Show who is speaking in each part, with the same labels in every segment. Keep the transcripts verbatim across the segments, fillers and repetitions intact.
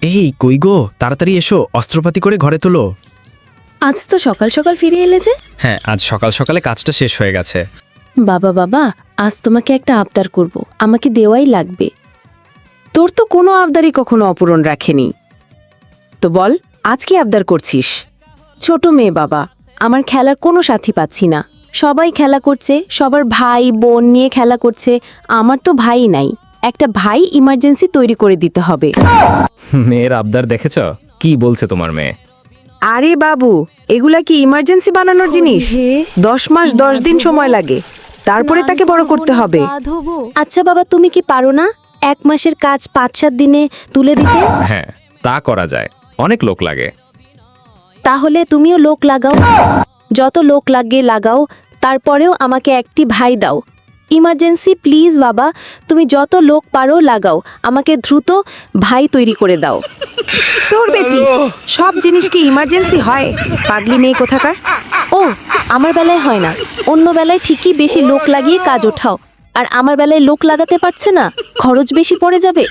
Speaker 1: এই কই গো, তাড়াতাড়ি এসো, অস্ত্রপাতি করে ঘরে তোলো।
Speaker 2: আজ তো সকাল সকাল ফিরে এলে যে?
Speaker 1: হ্যাঁ, আজ সকাল সকালে কাজটা শেষ হয়ে গেছে।
Speaker 2: বাবা বাবা, আজ তোমাকে একটা আবদার করব, আমাকে দেওয়াই লাগবে।
Speaker 3: তোর তো কোনো আবদারই কখনো অপূরণ রাখেনি। তো বল, আজ কি আবদার করছিস?
Speaker 2: ছোট মেয়ে বাবা, আমার খেলার কোনো সাথী পাচ্ছি না। সবাই খেলা করছে, সবার ভাই বোন নিয়ে খেলা করছে, আমার তো ভাই নাই। একটা ভাই ইমার্জেন্সি তৈরি করে দিতে হবে।
Speaker 1: মেয়ের আবদার দেখেছ? কি বলছে তোমার মেয়ে?
Speaker 3: আরে বাবু, এগুলা কি ইমার্জেন্সি বানানোর জিনিস? দশ মাস দশ দিন সময় লাগে, তারপরে তাকে বড় করতে হবে।
Speaker 2: আচ্ছা বাবা, তুমি কি পারো না এক মাসের কাজ পাঁচ সাত দিনে তুলে দিতে?
Speaker 1: হ্যাঁ, তা করা যায়, অনেক লোক লাগে।
Speaker 2: তাহলে তুমিও লোক লাগাও, যত লোক লাগে লাগাও, তারপরেও আমাকে একটি ভাই দাও। ইমার্জেন্সি প্লিজ বাবা, তুমি যত লোক পারো লাগাও, আমাকে দ্রুত ভাই তৈরি করে দাও।
Speaker 3: তোর বেটি সব জিনিস কি ইমার্জেন্সি হয়? পাগলি মেয়ে কোথাকার।
Speaker 2: ও, আমার বেলায় হয় না, অন্য বেলায় ঠিকই বেশি লোক লাগিয়ে কাজ ওঠাও, আর আমার বেলায় লোক লাগাতে পারছে না, খরচ বেশি পড়ে যাবে।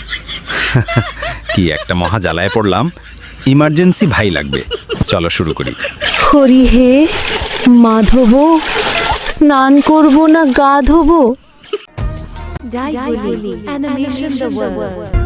Speaker 1: কি একটা মহা জ্বালায় পড়লাম, ইমার্জেন্সি ভাই লাগবে। চলো শুরু করি।
Speaker 2: হরি হে মাধব, স্নান করব না গা ধোবো?
Speaker 4: Daiguli Animation the World.